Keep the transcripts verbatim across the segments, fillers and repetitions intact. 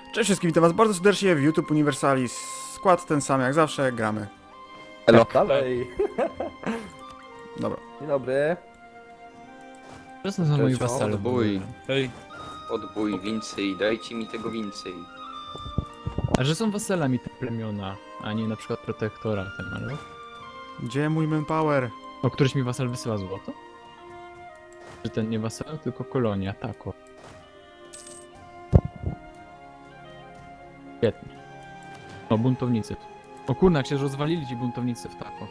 Cześć wszystkim, witam was bardzo serdecznie w YouTube Universalis. Skład ten sam jak zawsze, gramy. Elo. Dalej. Dobra. Dzień dobry. To są moi Cześć, wasale. odbój. Hej. Odbój więcej, dajcie mi tego więcej. A że są wasalami te plemiona, a nie na przykład protektoratem, ale... Gdzie mój manpower? O, któryś mi wasal wysyła złoto? Czy ten nie wasal, tylko kolonia, tako. Świetnie. O, buntownicy. O kurna, jak się rozwalili ci buntownicy w tako.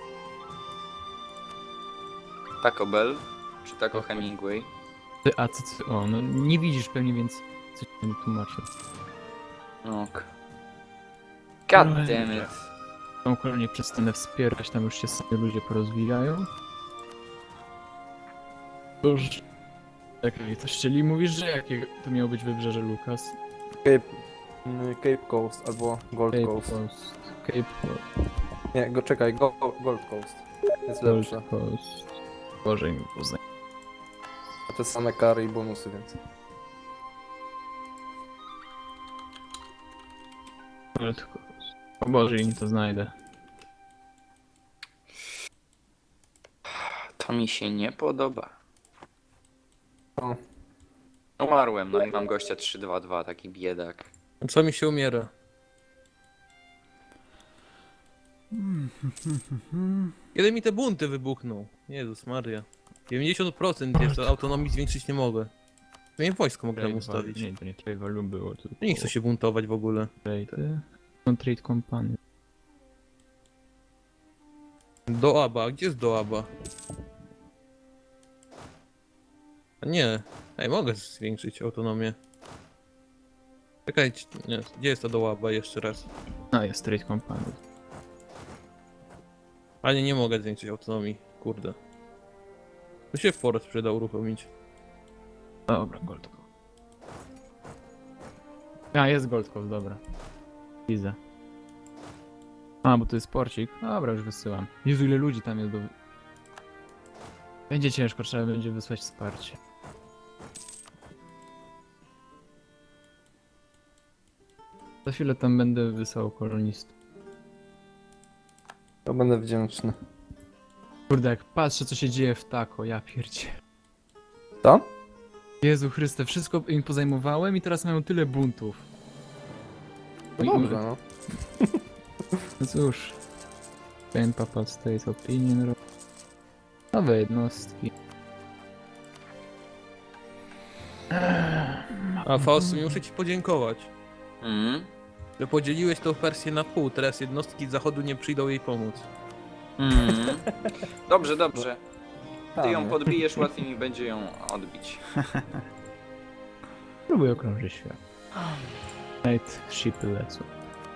Taco Bell, czy Taco Hemingway? Ty, a co, co, o, no nie widzisz pewnie, więc co ci tam tłumaczę. Ok. God No, damn it. Tą kolonię przestanę wspierać, tam już się sami ludzie porozwijają. Boż... Czekaj, to czyli mówisz, że jakie to miało być wybrzeże, Lukas? Cape, mm, Cape Coast albo Gold Cape Coast. Coast. Cape Coast. Nie, go czekaj, go, Gold Coast. Jest Gold lepsze. Coast. Boże mi poznaj. A te same kary i bonusy, więc. Gold Coast. O Boże, im to znajdę. To mi się nie podoba. O, Umarłem, no i mam gościa trzy dwa dwa, taki biedak. Co mi się umiera? Kiedy mi te bunty wybuchną? Jezus Maria. dziewięćdziesiąt procent jest, to autonomii zwiększyć nie mogę. Ja nie wojsko mogę tam ustawić. Nie, to nie Trade Value było. To Nie chcę się buntować w ogóle. Trade... No Trade Company. Do Aba, gdzie jest do Aba? A nie. Ej, mogę zwiększyć autonomię. Czekajcie, nie, gdzie jest ta do Aba jeszcze raz? No jest Trade Company. A nie, nie mogę zwiększyć autonomii, kurde. To się Forest przyda uruchomić. Dobra, Gold Coast. A, jest Gold Coast, dobra. Widzę. A, bo to jest porcik. Dobra, już wysyłam. Jezu, ile ludzi tam jest do... Będzie ciężko, trzeba będzie wysłać wsparcie. Za chwilę tam będę wysłał kolonistów. to będę wdzięczny. Kurde, jak patrzę, co się dzieje w tako, ja pierdzie. Co? Jezu Chryste, wszystko im pozajmowałem i teraz mają tyle buntów. No dobrze, no. No cóż. Ten Papal State Opinion. Nowe jednostki. A Faust, muszę ci podziękować. Mm? Że podzieliłeś tą wersję na pół, teraz jednostki z zachodu nie przyjdą jej pomóc. Mm. Dobrze, dobrze. Ty ją Tam, podbijesz, łatwiej mi będzie ją odbić. Próbuję okrążyć świat. Night shipy lecą.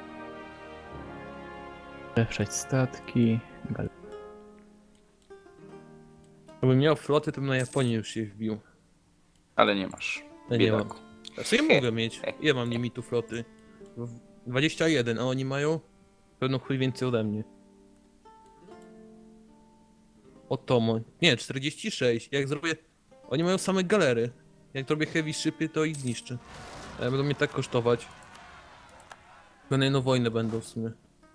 Lepszać statki. Gal- Gdybym miał floty, to bym na Japonię już się wbił. Ale nie masz. Ja nie mam. Biedaku. Znaczy ja mogę mieć. Ja mam limitu floty. W- dwadzieścia jeden, a oni mają pewno chuj więcej ode mnie. Otomo. Nie, czterdzieści sześć. Jak zrobię... Oni mają same galery. Jak zrobię heavy shipy, to ich zniszczę. Ale będą mnie tak kosztować. Chyba na jedną wojnę będą w sumie.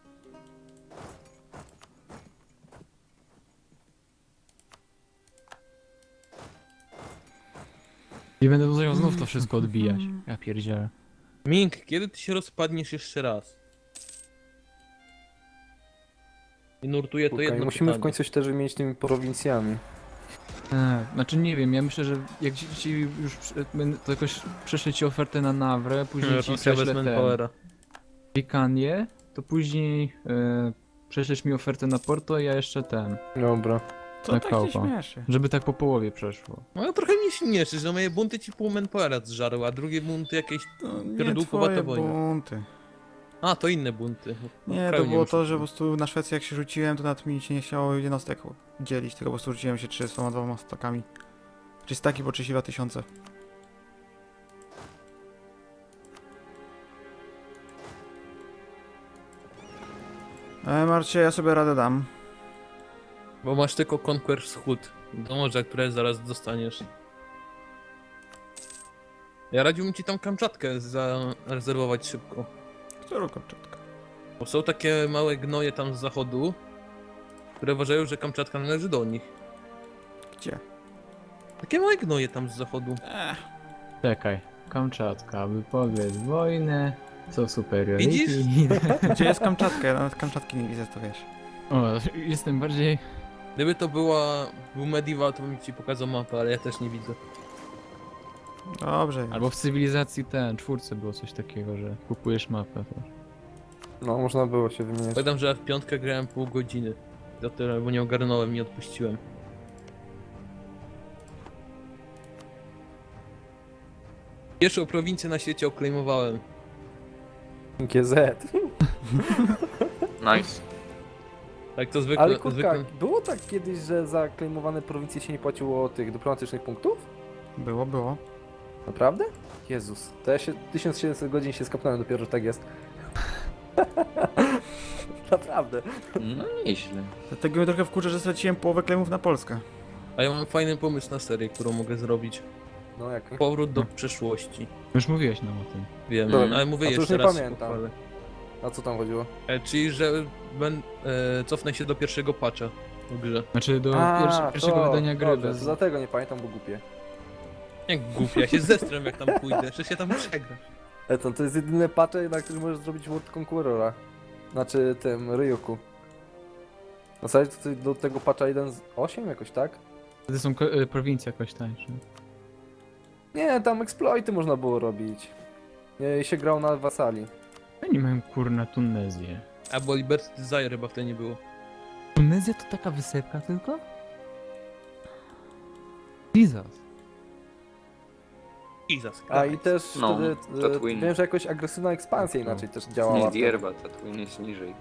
I będę musiał znów to wszystko odbijać. Ja pierdzielę. Mink, kiedy ty się rozpadniesz jeszcze raz? I nurtuję to Okej, jedno musimy w pytanie. końcu się też wymienić tymi prowincjami. Eee, znaczy nie wiem, ja myślę, że jak ci, ci już przy- będę- to jakoś prześlę ci ofertę na Nawrę, później ci Rosja bez prześlę ten manpowera. Wikanie, to później e, prześlesz mi ofertę na Porto, ja jeszcze ten, Dobra. Co Na tak się kołpa. śmieszy? żeby tak po połowie przeszło. No trochę mnie śmieszy, że moje bunty ci pół manpowera zżarły, a drugie bunty jakieś... To nie Pierdółkowata twoje wojna. bunty. A, to inne bunty. Nie, Kraju to było muszę to, że po kupić. prostu na Szwecję jak się rzuciłem, to nawet mi się nie chciało jednostek dzielić, tylko po prostu rzuciłem się trzydziestoma dwoma stakami. Czy staki po trzydzieści dwa tysiące. E, Marcie, ja sobie radę dam. Bo masz tylko Conquer Wschód. Do morza, które zaraz dostaniesz. Ja radziłbym ci tam Kamczatkę zarezerwować szybko. Którą Kamczatkę? Bo są takie małe gnoje tam z zachodu, które uważają, że Kamczatka należy do nich. Gdzie? Takie małe gnoje tam z zachodu. Ech, Czekaj. Kamczatka, wypowiedz wojnę. Co superiority. Widzisz? gdzie jest Kamczatka? Ja nawet Kamczatki nie widzę, to wiesz. O, jestem bardziej... Gdyby to była, był medieval, to bym ci pokazał mapę, ale ja też nie widzę. Dobrze jest. Albo w cywilizacji ten, czwórce było coś takiego, że kupujesz mapę. To... No, można było się wymieniać. Pamiętam, że ja w piątkę grałem pół godziny. Za tyle, bo nie ogarnąłem, nie odpuściłem. Pierwszą prowincję na świecie oklejmowałem. G Z. Nice. Tak to zwykle. Ale kurka, zwykle... było tak kiedyś, że za klejmowane prowincje się nie płaciło tych dyplomatycznych punktów? Było, było. Naprawdę? Jezus, to ja się tysiąc siedemset godzin się skapnąłem dopiero, że tak jest. Naprawdę. No nieźle. Dlatego mnie trochę wkurza, że straciłem połowę klemów na Polskę. A ja mam fajny pomysł na serię, którą mogę zrobić. No jak? Powrót do przeszłości. Już mówiłeś nam o tym. Wiem, Dobra. ale mówię A to już jeszcze nie raz. się pamiętam. pochwalę. A co tam chodziło? E, czyli, że ben, e, cofnę się do pierwszego patcha w grze. Znaczy do A, pierwsze, pierwszego to, wydania gry. dobrze, Bez... to dlatego nie pamiętam, bo głupie. Jak głupia, ja się zestrem jak tam pójdę, przecież ja tam przegram. Eton, to jest jedyne patche, na którym możesz zrobić World Conquerora. Znaczy tym, Ryuku. Na zasadzie to ty do tego patcha jeden z osiem jakoś, tak? Wtedy są ko- y, prowincje jakoś tańsze. Nie, tam exploity można było robić. Nie, i się grał na wasali. Oni mają kurna Tunezję. Albo Liberty Desire chyba wtedy nie było. Tunezja to taka wysepka tylko? Jesus. Jesus A i Christ. też No, wtedy, e, Tatooine. wiem, że jakoś agresywna ekspansja inaczej też działała. Nie, wtedy. Dierba, Tatooine jest niżej.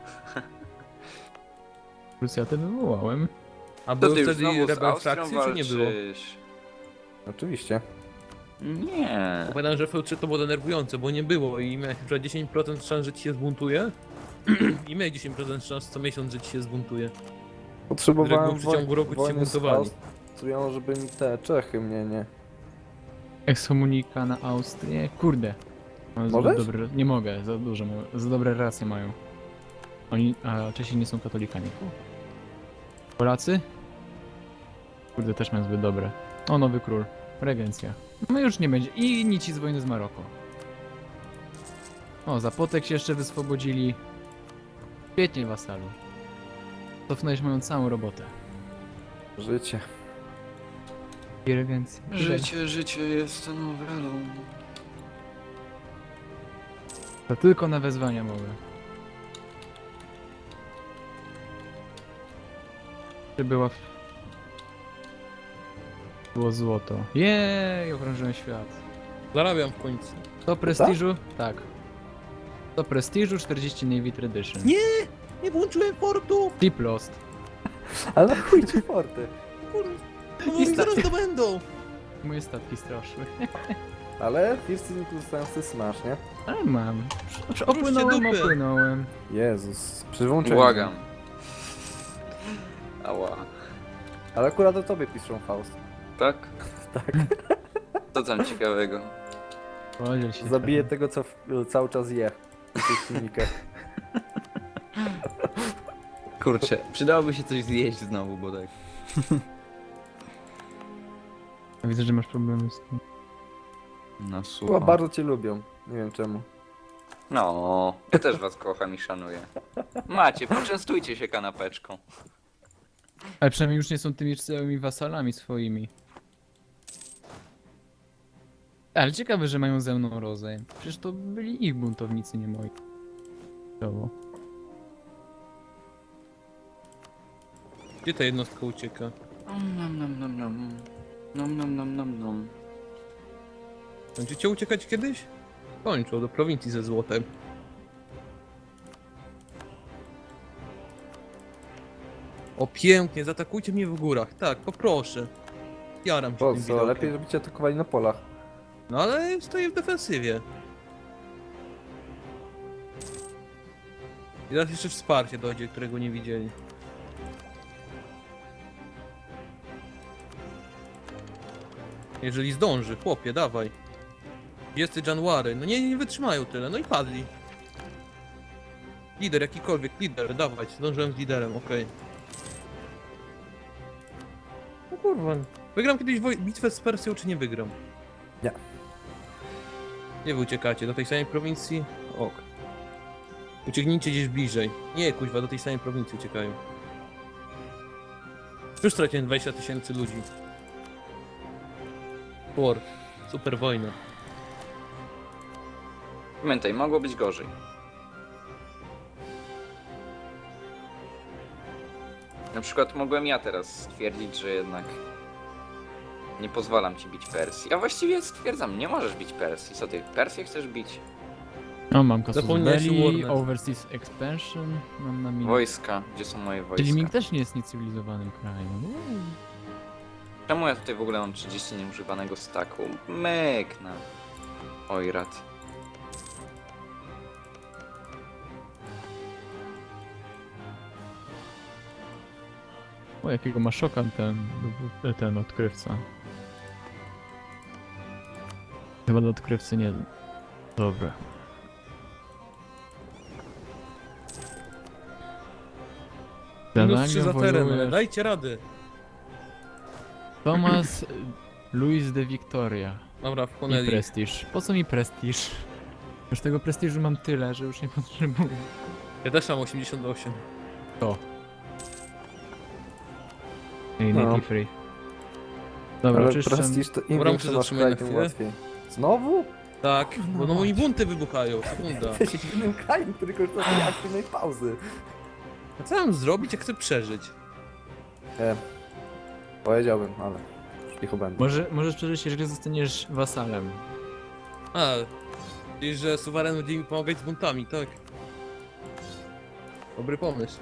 Krucjatę wywołałem. A To były ty już wtedy znowu z Rebel Austrią frakcje, czy nie było? walczysz? Oczywiście. Nie. Pamiętam, że F trzy to było denerwujące, bo nie było i miałeś na przykład dziesięć procent szans, że ci się zbuntuje. I miałeś dziesięć procent szans co miesiąc, że ci się zbuntuje. Potrzebowałem w przeciągu roku ci się wojny z buntowali. Austrią, żeby mi te Czechy mnie nie... Ekskomunika na Austrię. Kurde. Mam zbyt Możesz? Dobre... Nie mogę, za dużo, mają- za dobre relacje mają. Oni, a Czesi nie są katolikami. Polacy? Kurde, też mają zbyt dobre. O, nowy król. Regencja. No już nie będzie. I nic z wojny z Maroko. O, Zapotek się jeszcze wyswobodzili. Świetnie, wasalu. Cofnąłeś moją całą robotę. Życie. I regencja. Życie, życie jest nowelą. To tylko na wezwania mogę. Czy była... w- Było złoto. Jej, okrążyłem świat. Zarabiam w końcu. Do prestiżu? Tak. Do prestiżu czterdzieści Navy Tradition. Nie! Nie włączyłem portu! Deep Lost. Ale na chuj ci forty. Kurde, no mi zaraz to będą! Moje statki straszły. Ale First Season zostają z Smash, nie? Ale mam. Ruszcie Opłynąłem, dupy. opłynąłem. Jezus. Przy włączeniu. Błagam. Ała. Ale akurat o tobie piszą Faust. Tak? Tak. Co tam ciekawego? Podziel się. Zabiję tego, co w, cały czas je. W tych filmikach. Kurczę, przydałoby się coś zjeść znowu, bo tak. Ja widzę, że masz problemy z tym. No Chyba słuchaj. bardzo cię lubią. Nie wiem czemu. No, ja też was kocham i szanuję. Macie, poczęstujcie się kanapeczką. Ale przynajmniej już nie są tymi całymi wasalami swoimi. Ale ciekawe, że mają ze mną rozejm. Przecież to byli ich buntownicy, nie moi. Brawo. Gdzie ta jednostka ucieka? Nom nom nom nom. Nom nom nom nom nom. Będziecie uciekać kiedyś? Kończą do prowincji ze złotem. O pięknie, zaatakujcie mnie w górach. Tak, poproszę. Jaram się Po tym co? widokiem. Lepiej, żeby cię atakowali na polach. No ale stoję w defensywie. I teraz jeszcze wsparcie dojdzie, którego nie widzieli. Jeżeli zdąży, chłopie, dawaj. dwudziestego January. No nie, nie wytrzymają tyle, no i padli. Lider, jakikolwiek, lider, dawać, zdążyłem z liderem, okej. No kurwa, wygram kiedyś woj- bitwę z Persją, czy nie wygram? Nie. Nie wy uciekacie, do tej samej prowincji? Ok. Ucieknijcie gdzieś bliżej. Nie, kuźwa, do tej samej prowincji uciekają. Już straciłem dwadzieścia tysięcy ludzi. War. Super wojna. Pamiętaj, mogło być gorzej. Na przykład mogłem ja teraz stwierdzić, że jednak nie pozwalam ci bić Persji. A właściwie stwierdzam, nie możesz bić Persji. Co ty, Persję chcesz bić? O, mam Casus Zapomniałeś o Belli, Warnet. Overseas Expansion, mam na minę. Wojska, gdzie są moje Czyli wojska? Ming też nie jest niecywilizowanym krajem. Uuu. Czemu ja tutaj w ogóle mam trzydzieści nieużywanego staku? Myk na Oirat. O, jakiego ma szoka ten, ten odkrywca. Chyba do odkrywcy nie... Dobra. Minus trzy za teren, ale wojujesz- dajcie rady. Thomas Louis de Victoria. Dobra, I wchłonęli. prestiż. Po co mi prestiż? Już tego prestiżu mam tyle, że już nie potrzebuję. Ja też mam osiemdziesiąt osiem. To. Ej, No. native free. Dobra, Ale czyszczę. prestiż to im Dobra, większy muszę masz zatrzymać na kraj, tym chwilę. łatwiej. Znowu? Tak, bo no moi bunty wybuchają, sekunda. Jesteś w innym kraju, który korzysta z tej aktywnej pauzy. A co mam zrobić, jak chcę przeżyć? E, powiedziałbym, ale cicho będę. Może, możesz przeżyć, jeżeli zostaniesz wasalem. A, czyli że suweren będzie mi pomagać z buntami, tak? Dobry pomysł.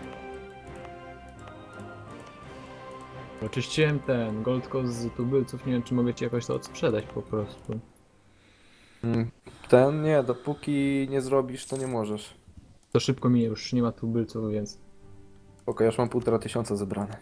Oczyściłem ten Gold Coast z tubylców, nie wiem czy mogę ci jakoś to odsprzedać po prostu. Mm, Ten nie, dopóki nie zrobisz, to nie możesz. To szybko minie, już nie ma tubylców, więc... Okej, już mam półtora tysiąca zebrane.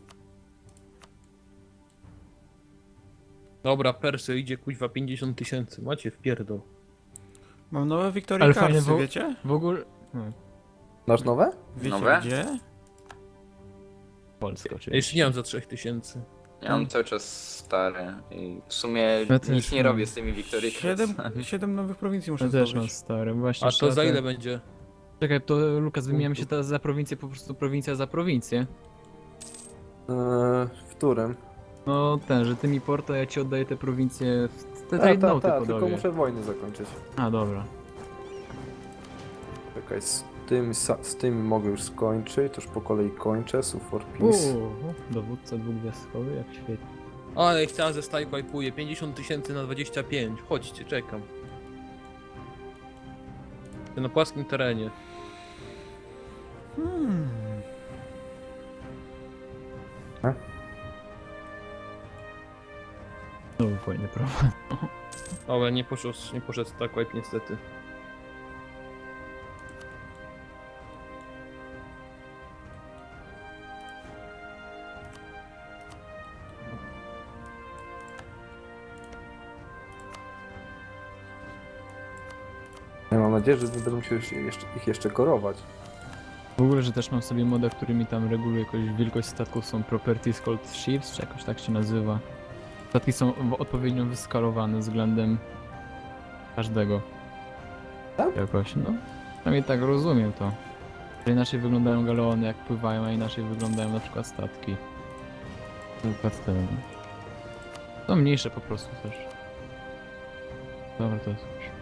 Dobra, Persja idzie kuźwa pięćdziesiąt tysięcy, macie wpierdol. Mam nowe Victoria Ale Carsy, fajne wo- wiecie? W ogóle... Hmm, Masz nowe? Wiecie Nowe? gdzie? Polska Ja oczywiście. jeszcze nie mam za trzech tysięcy. Ja mam cały czas stare i w sumie Ja też nic nie mam. robię z tymi Victory Siedem, siedem nowych prowincji muszę Ja też mam zdobyć. stare, właśnie. A to trzeba za te- ile będzie? Czekaj, to Lukas, wymieniamy się teraz za prowincję, po prostu prowincja za prowincję. Eee, w którym? No ten, że ty mi Porto, ja ci oddaję te prowincje w te Ta, trade ta, noty ta, tylko podobnie. muszę wojny zakończyć. A, dobra. Czekaj, z tym, sa- z tym mogę już skończyć, to już po kolei kończę, Sue for Peace. Uuu, dowódca dwugwiazdkowy, jak świetnie. Ale chciałem ze staj wipe'uje, pięćdziesiąt tysięcy na dwadzieścia pięć. Chodźcie, czekam. Na płaskim terenie. Hmm. Znowu fajny prawo. Ale nie poszedł, nie poszedł tak wipe niestety. Ja mam nadzieję, że nie będę musiał jeszcze, jeszcze, ich jeszcze korować. W ogóle, że też mam sobie moda, który mi tam reguluje jakąś wielkość statków, są Properties Called Ships, czy jakoś tak się nazywa. Statki są w- odpowiednio wyskalowane względem każdego. Tak? Jakoś, no. Przynajmniej tak rozumiem to. Że inaczej wyglądają galeony jak pływają, a inaczej wyglądają na przykład statki. Na przykład te... Są mniejsze po prostu też. Dobra, to jest już.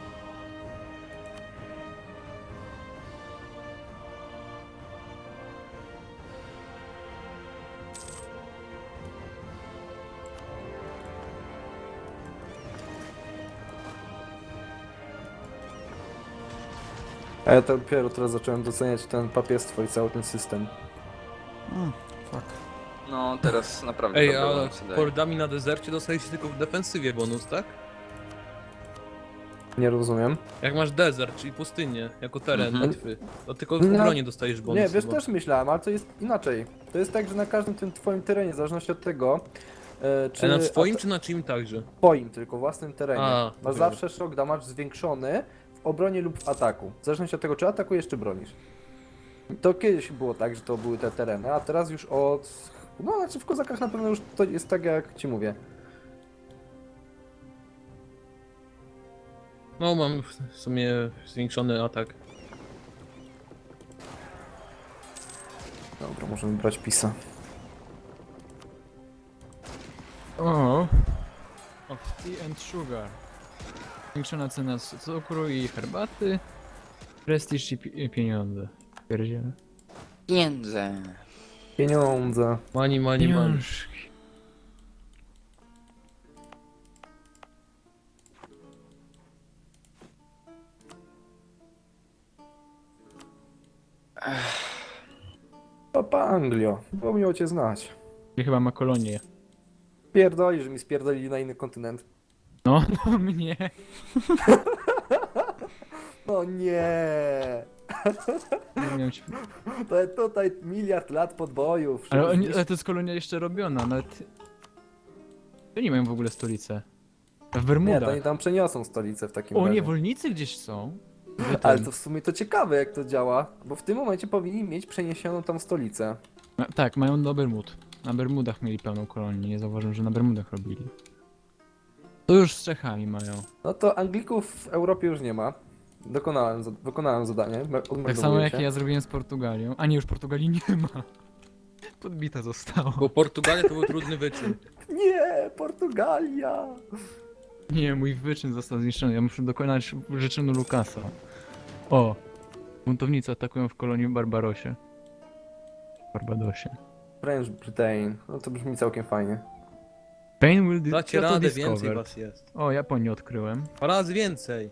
A ja to dopiero teraz zacząłem doceniać ten papierstwo i cały ten system. Mm, fuck. No teraz naprawdę Ej, dobre ale bonusy daje. hordami na dezercie dostajesz tylko w defensywie bonus, tak? Nie rozumiem. Jak masz desert, czyli pustynię, jako teren Mhm. bitwy, to tylko w No. obronie dostajesz bonus. Nie, wiesz, chyba. też myślałem, ale to jest inaczej. To jest tak, że na każdym tym twoim terenie, w zależności od tego, E, Czy na swoim a- czy na czyim także? Twoim, tylko własnym terenie. A, Masz dobra. zawsze shock damage zwiększony w obronie lub w ataku. W zależności od tego, czy atakujesz, czy bronisz. To kiedyś było tak, że to były te tereny, a teraz już od... No, znaczy w kozakach na pewno już to jest tak, jak ci mówię. No mam w sumie zwiększony atak. Dobra, możemy brać pisa. O! Of tea and sugar. Zwiększona cena c- cukru i herbaty. Prestiż i pi- i pieniądze. Pierdziele. Pieniądze. Pieniądze. Mani, mani, mani. Pieniążki. Papa Anglio, było miło cię znać. Gdzie chyba ma kolonię. Pierdoli, że mi spierdolili na inny kontynent. No, no mnie. No nie. Nie miałem się... To jest tutaj miliard lat podbojów. ale, oni, Zniszcz- ale to jest kolonia jeszcze robiona, nawet... To nie mają w ogóle stolicy. W Nie, to Bermudach. oni tam przeniosą stolicę w takim O, razie. niewolnicy gdzieś są. Wy Ale ten- to w sumie to ciekawe jak to działa, bo w tym momencie powinni mieć przeniesioną tam stolicę. Ma- Tak, mają do Bermud. Na Bermudach mieli pełną kolonię, nie zauważyłem, że na Bermudach robili. To już z Czechami mają. No to Anglików w Europie już nie ma. Dokonałem, za- wykonałem zadanie. me- Tak odmeldowuję samo jak się. ja zrobiłem z Portugalią. A nie, już Portugalii nie ma. Podbita została. Bo Portugalia to był trudny wyczyn. Nie, Portugalia! Nie, mój wyczyn został zniszczony. Ja muszę dokonać wyczynu Lukasa. O! Buntownicy atakują w kolonii w Barbarosie. Barbadosie. French Britain. No to brzmi całkiem fajnie. Pain will di- Dacie Kyoto radę, discovered. więcej was jest. O, Japonię odkryłem. Dwa razy więcej.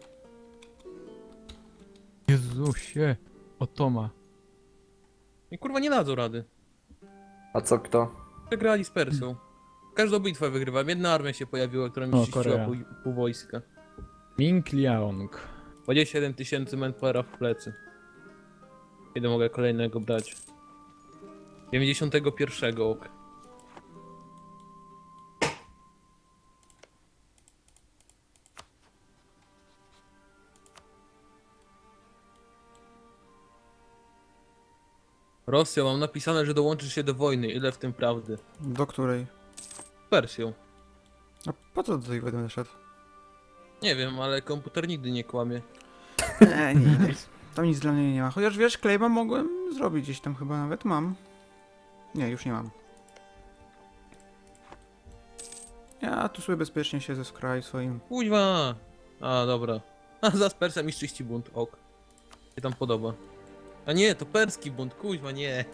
Jezusie! Otoma. I kurwa nie dadzą rady. A co kto? Przegrali z Persją. Każdą bitwę wygrywam. Jedna armia się pojawiła, która mi O, czyściła Korea. pół, pół wojska. Ming Liaong. dwadzieścia siedem tysięcy manpowera w plecy. Kiedy mogę kolejnego brać? dziewięćdziesiątego pierwszego ok. Rosja, mam napisane, że dołączysz się do wojny. Ile w tym prawdy? Do której? Z Persją. A po co do tej będę szedł? Nie wiem, ale komputer nigdy nie kłamie. Nie, nie. Tam nic dla mnie nie ma. Chociaż wiesz, Klejma mogłem zrobić gdzieś tam chyba nawet mam. Nie, już nie mam. Ja tu sobie bezpiecznie siedzę z kraju swoim. Kuźwa! A, dobra. A, za z Persja mi czyści bunt, ok. Się tam podoba. A nie, to perski bunt, kuźwa, nie.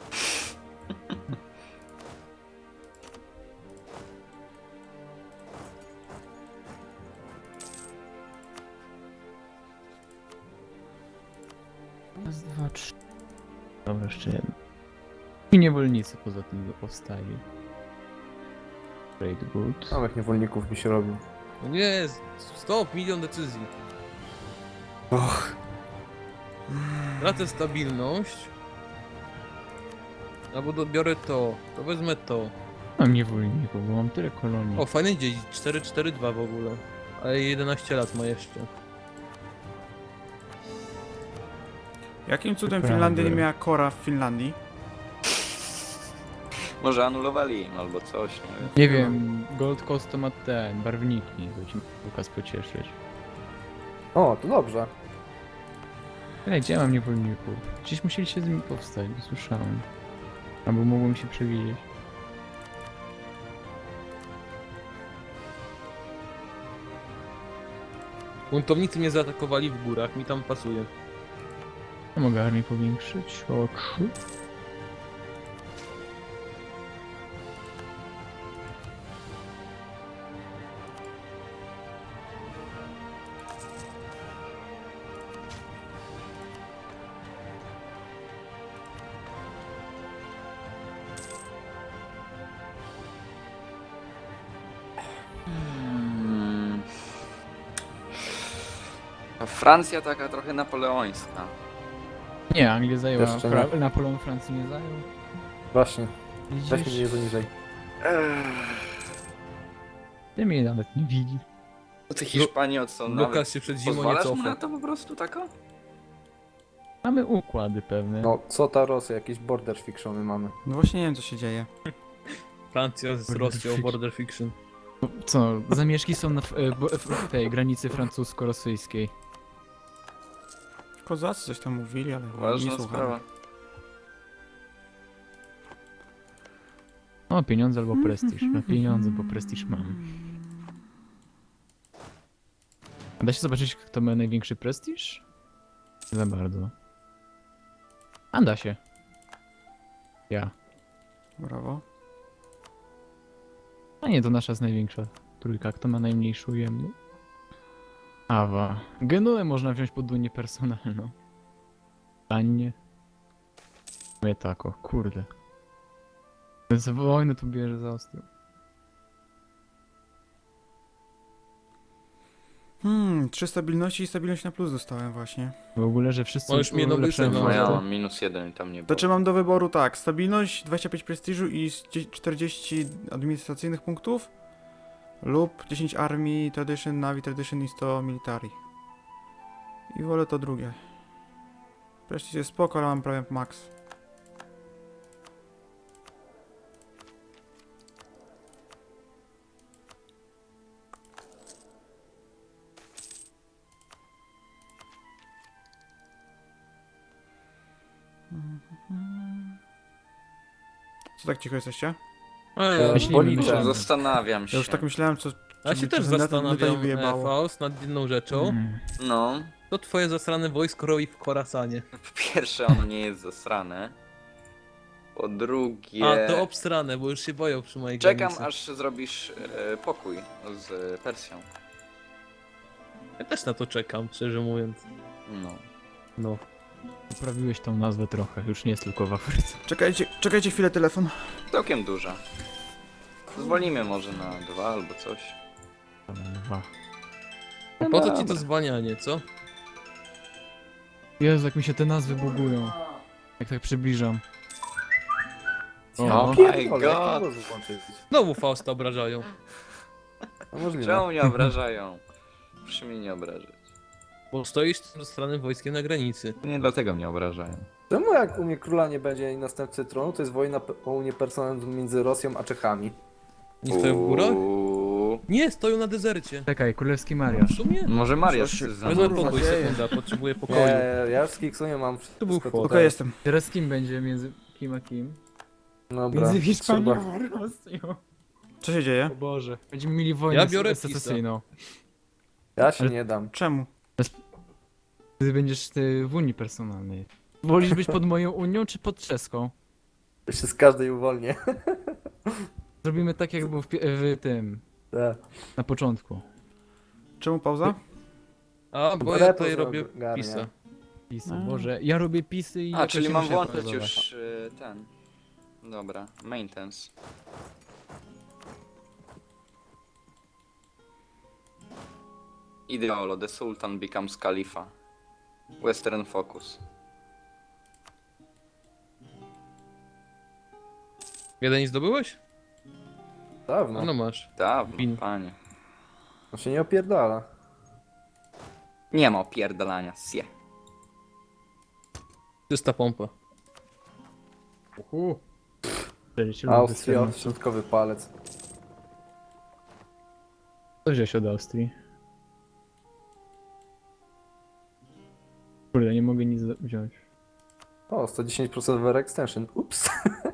Raz, dwa, trzy. Dobra, jeszcze jeden. I niewolnicy poza tym powstali. Great good. Samych niewolników mi się robił. No nie, stop, milion decyzji. Och. Tracę stabilność. Albo dobiorę to, to wezmę to. Mam niewolników, bo mam tyle kolonii. O, fajny dziedzic, cztery cztery dwa w ogóle. Ale jedenaście lat ma jeszcze. Jakim cudem Prawda. Finlandia nie miała kora w Finlandii? Może anulowali im albo coś, nie wiem. Nie wiem, Gold Coast to ma ten, barwniki, to ci Lukas pocieszyć. O, to dobrze. Ej, gdzie ja mam niewolników? Gdzieś musieli się z nimi powstać, nie słyszałem. Albo mogło mi się przewidzieć. Buntownicy mnie zaatakowali w górach, mi tam pasuje. Ja mogę armię powiększyć o trzy. Hmm. A Francja taka trochę napoleońska. Nie, Anglia zajęła. Jeszcze Fra- nie. Napoleon Francji nie zajął. Właśnie. Weźmy Widzisz? mnie poniżej. Ech. Ty mnie nawet nie widzisz. Ty Hiszpanii co nawet Lukas się przed zimą nie pozwalasz mu cofa. na to po prostu tako? Mamy układy pewne. No, co ta Rosja? Jakieś border fictiony mamy. No właśnie nie wiem co się dzieje. Francja z Border Rosją, fiction. border fiction. Co, zamieszki są na f- e, bo- f- w tej granicy francusko-rosyjskiej. Kozacy coś tam mówili, ale nie Ważna słucham. sprawa. O, pieniądze albo prestiż. No pieniądze, bo prestiż mam. A da się zobaczyć, kto ma największy prestiż? Nie za bardzo. A da się. Ja. Brawo. A nie, to nasza jest największa trójka. Kto ma najmniejszy ujemny? Awa. Genuę można wziąć pod unię personalną. Tanie. Mnie tako, kurde. Ten za wojnę tu bierze za ostro. Hmm, trzy stabilności i stabilność na plus dostałem właśnie. W ogóle, że wszyscy Możesz mnie ulepszają nowy No ja fronty. mam minus jeden i tam nie To było. czy mam do wyboru tak, stabilność, dwadzieścia pięć prestiżu i dzie- czterdzieści administracyjnych punktów lub dziesięć armii, tradition, navy, tradition i sto military. I wolę to drugie. Prestiż jest spoko, ale mam prawie max. Co tak cicho jesteście? A ja, E, Myślimy, policzę. myślimy. Zastanawiam się. Ja już tak myślałem, co... ja czy się mi też czasem net- neta nie zastanawiam, wyjebało. e, Faust, nad jedną rzeczą. Mm. No, To twoje zasrane wojsko roi w Korasanie. po pierwsze ono nie jest zasrane. Po drugie... A, to obsrane, bo już się boją przy mojej Czekam granicy. aż zrobisz e, pokój z Persją. Ja też na to czekam, szczerze mówiąc. No. No. Poprawiłeś tą nazwę trochę, już nie jest tylko w Afryce. Czekajcie, czekajcie chwilę, telefon. Całkiem duża. Zwolnimy może na dwa albo coś. Dobra, dwa. A po co ci dobra. to zwalnianie, co? Jezu, jak mi się te nazwy bugują. Jak tak przybliżam. Oh O, my Pierdolę, jak god. to można włączyć? Znowu Fausta obrażają. No możliwe. Czemu mnie obrażają? Proszę mnie nie obrażać. Bo stoisz z tym zasranym wojskiem na granicy. Nie dlatego mnie obrażają. Czemu jak u mnie króla nie będzie i następcy tronu, to jest wojna pe- o unię personalną między Rosją a Czechami. Nie stoją w górach? Uuu. Nie, stoją na dezercie. Czekaj, królewski W Mariusz. sumie? Może Maria Co się- za Wezmę kurwa pokój, dzieje? sekunda, potrzebuję pokoju. Nie, ja w Skiksunie mam wszystko był tutaj. fot. Okej, jestem. Teraz z kim będzie między kim a kim? Dobra, Między Hiszpanią trzeba- a Rosją. Co się dzieje? O Boże. Będziemy mieli wojnę Ja biorę secesyjną. Ja się Ale- nie dam. Czemu? Ty będziesz ty w Unii personalnej. Wolisz być pod moją Unią czy pod czeską? Ja się z każdej uwolnię. Zrobimy tak jak było w, pie- w tym, Tak. na początku. Czemu pauza? A, bo ja Repo tutaj robię ogarnia. pisa. Pisy, A. Boże, ja robię pisy i... A, jakoś czyli nie mam muszę włączyć pauzować. już y, ten. Dobra, maintenance. Ideolo, the Sultan becomes Khalifa. Western Focus. Jeden nie zdobyłeś? Dawno. No, no masz. Dawno, Pin. panie. On się nie opierdala. Nie ma opierdalania, sie. Czysta pompa. Uhu. czterdzieści lub Austria, czternaście. środkowy palec. Co wziąłeś od Austrii? Kurde, nie mogę nic wziąć. O, sto dziesięć procent wear extension. Ups.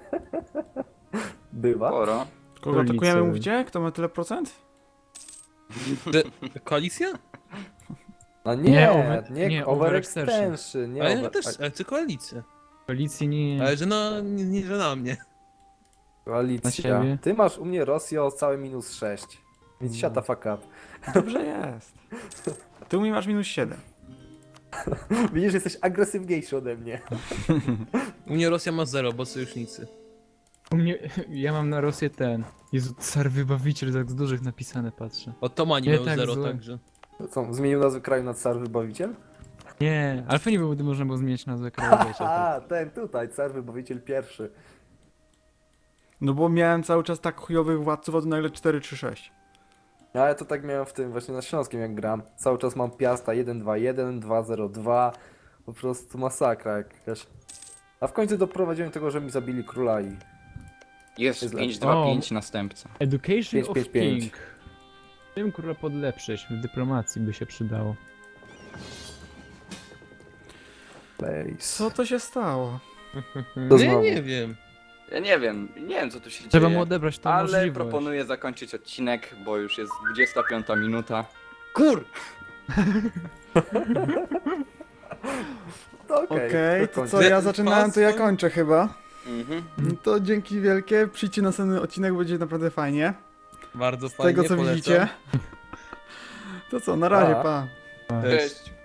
Bywa. Sporo. Kogo Ulicy. atakujemy, mówicie? Kto ma tyle procent? Koalicja? No nie, Nie, nie, over- nie, nie, over over extension. Nie Ale ja over... też, ale chcę koalicję. Koalicji nie... Ale że na, nie, nie że na mnie. Koalicja. Na siebie. Ty masz u mnie Rosję o całe minus sześć. Więc shut the fuck up. Dobrze jest. Ty u mnie masz minus siedem. Widzisz, jesteś agresywniejszy ode mnie. U mnie Rosja ma zero, bo sojusznicy. U mnie... Ja mam na Rosję ten... Jezu, car wybawiciel, tak z dużych napisane patrzę. Otomani Nie mają tak zero złe. także. To Co, zmienił nazwę kraju na car wybawiciel? Nie, ale fajnie byłoby, gdy można było zmienić nazwę kraju, wiecie. A, ten tutaj, car wybawiciel pierwszy. No bo miałem cały czas tak chujowych władców, a tu nagle cztery trzy sześć. Ale to tak miałem w tym właśnie na Śląskim jak gram. Cały czas mam Piasta jeden dwa jeden, dwa zero dwa. Po prostu masakra jakaś. A w końcu doprowadziłem do tego, że mi zabili króla i... Jest Jest pięć lepszy. dwa O. pięć następca. Education pięć, of pięć, pięć. King. Czym króla podlepszyć? W dyplomacji by się przydało. Place. Co to się stało? To Nie, znowu. nie wiem. Ja nie wiem, nie wiem co tu się Trzeba dzieje. mu odebrać tą Ale możliwość. proponuję zakończyć odcinek, bo już jest dwudziesta piąta minuta. Kur! No okej, Okej, to kończę. co ja zaczynałem, to ja kończę chyba. Mhm. No to dzięki wielkie, przyjdźcie na następny odcinek, będzie naprawdę fajnie. Bardzo Z fajnie, tego co polecam. widzicie. To co, na razie, Pa. pa. Cześć.